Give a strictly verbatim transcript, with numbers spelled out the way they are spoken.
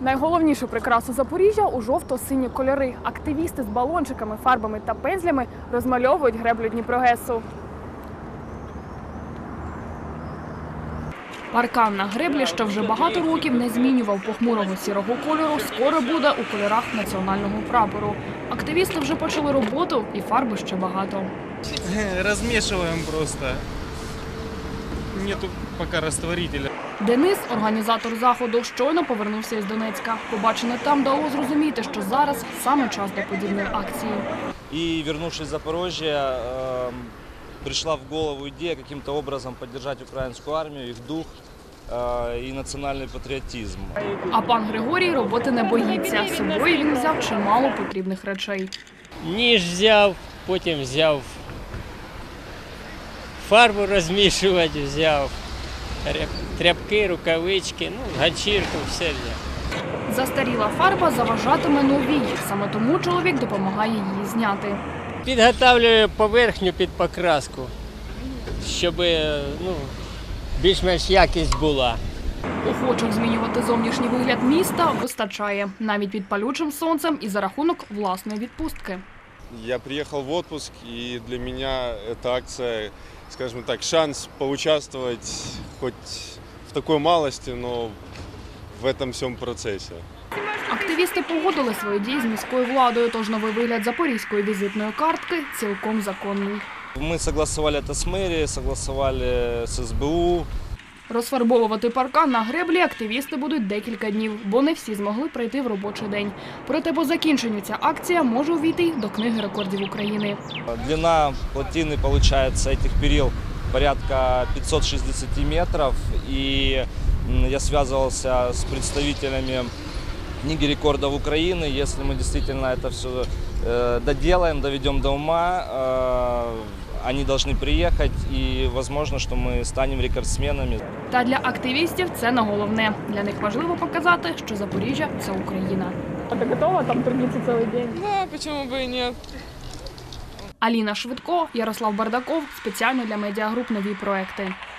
Найголовнішу прикрасу Запоріжжя – у жовто-сині кольори. Активісти з балончиками, фарбами та пензлями розмальовують греблю Дніпрогесу. Паркан на греблі, що вже багато років не змінював похмурого сірого кольору, скоро буде у кольорах національного прапору. Активісти вже почали роботу, і фарби ще багато. Розмішуємо просто. Нету поки розтворителя. Денис, організатор заходу, щойно повернувся із Донецька. Побачене там дало зрозуміти, що зараз саме час для подібної акції. І, вернувшись з Запоріжжя, прийшла в голову ідея яким-то образом підтримати українську армію, їх дух і національний патріотизм. А пан Григорій роботи не боїться. З собою він взяв чимало потрібних речей. Ніж взяв, потім взяв фарбу розмішувати, взяв тряпки, рукавички, ну, ганчірку, все взяв. Застаріла фарба заважатиме новій. Саме тому чоловік допомагає її зняти. Підготовлюю поверхню під покраску, щоб ну, більш-менш якість була. Охочих змінювати зовнішній вигляд міста вистачає. Навіть під палючим сонцем і за рахунок власної відпустки. Я приехал в отпуск, и для меня эта акция, скажем так, шанс поучаствовать хоть в такой малости, но в этом всем процессе. Активісти погодили свої дії з міською владою, тож новий вигляд запорізької візитної картки цілком законний. Ми согласували це з мерією, согласували з ес бе у. Розфарбовувати паркан на греблі активісти будуть декілька днів, бо не всі змогли прийти в робочий день. Проте по закінченню ця акція може увійти до книги рекордів України. Длина плотины получается этих перил порядка пятьсот шестьдесят метров. И я связывался с представителями книги рекордов Украины. Если мы действительно это все доделаем, доведем до ума, они должны приехать, и возможно, что мы станем рекордсменами. Та для активістів це не головне. Для них важливо показати, що Запоріжжя – це Україна. А ти готова там трудитися цілий день? Да, чому б і ні. Аліна Швидко, Ярослав Бардаков. Спеціально для медіагруп «Нові проекти».